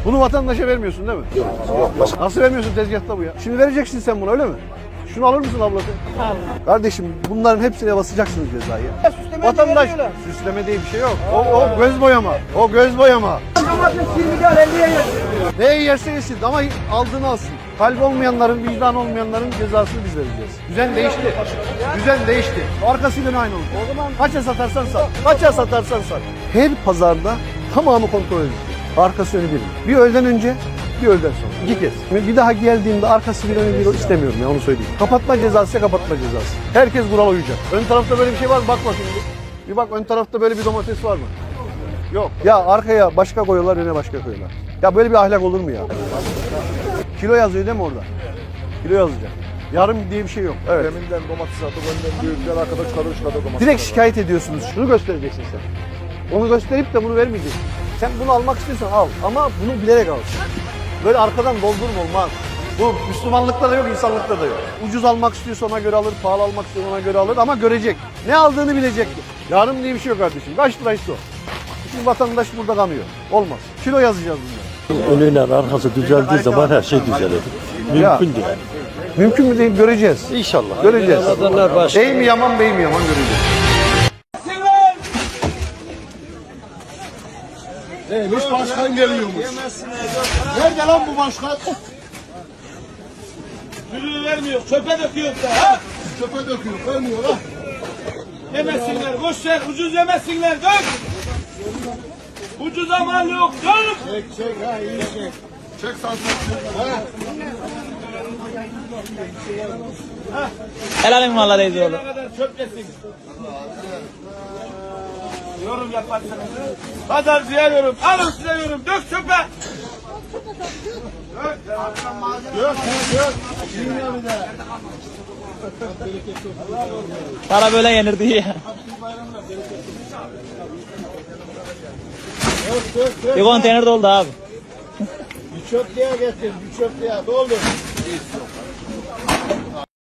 Bunu vatandaşa vermiyorsun değil mi? Yok. Nasıl vermiyorsun, tezgahta bu ya? Şimdi vereceksin sen bunu, öyle mi? Şunu alır mısın ablası? Tamam. Kardeşim bunların hepsine basacaksınız cezayı. Süsleme Vatandaş veriyorlar. süsleme diye bir şey yok. O göz boyama. O göz boyama. Domates 20 lira 50'ye yer. Neyi yerse yesin ama aldığını alsın. Kalbi olmayanların, vicdan olmayanların cezasını biz vereceğiz. Düzen değişti. Düzen değişti. Arkasıyla aynı olur. O zaman kaça satarsan sat. Kaça satarsan sat. Her pazarda tamamı kontrol edilir. Arkası önü bir. Bir öğleden önce, bir öğleden sonra. 2 kez. Bir daha geldiğimde arkası bir önü bir istemiyorum ya, onu söyleyeyim. Kapatma cezası, kapatma cezası. Herkes kurala uyacak. Ön tarafta böyle bir şey var mı? Bak bakayım. Bir bak, ön tarafta böyle bir domates var mı? Yok. Ya arkaya başka koyuyorlar, öne başka koyuyorlar. Ya böyle bir ahlak olur mu ya? Kilo yazıyor değil mi orada? Kilo yazacak. Yarım diye bir şey yok. Evet. Deminden domates atıp önden büyükler arkada çıkarır domates. Direkt şikayet ediyorsunuz. Şunu göstereceksin sen. Onu gösterip de bunu vermeyeceksin. Sen bunu almak istiyorsan al ama bunu bilerek al. Böyle arkadan doldurma, olmaz. Bu Müslümanlıkta da yok, insanlıkta da yok. Ucuz almak istiyorsa ona göre alır, pahalı almak istiyorsa ona göre alır ama görecek. Ne aldığını bilecek. Yarım diye bir şey yok kardeşim. Kaç liraysa o. Şimdi vatandaş burada kanıyor. Olmaz. Kilo yazacağız bunları. Önüyle arkası düzeldiği zaman her şey düzelir. Mümkün değil. Mümkün mü değil, göreceğiz. İnşallah. Göreceğiz. Ramazanlar başlıyor. Bey mi yaman, bey mi yaman göreceğiz. Neymiş, başkan geliyormuş. Nerede lan bu başkan? Sürüyü vermiyor, çöpe döküyor da. Ha? Çöpe döküyor, vermiyor ha. Yemesinler, boş ver, ucuz yemesinler, dök. Ucuza mal yok, dök. Çek ha, iyi çek. Çek santraksiyonu. Ha. Helalim valla Reis oğlum. Ne kadar çöp yesin. Yorum yaparsanız. Pazar size yorum, alın size yorum, dök çöpe. Yok, yok. Bilmiyor bir de. Para böyle yenirdi ya. Bir konteyner doldu abi. Bir çöplüğe getir, bir çöplüğe. Doldur.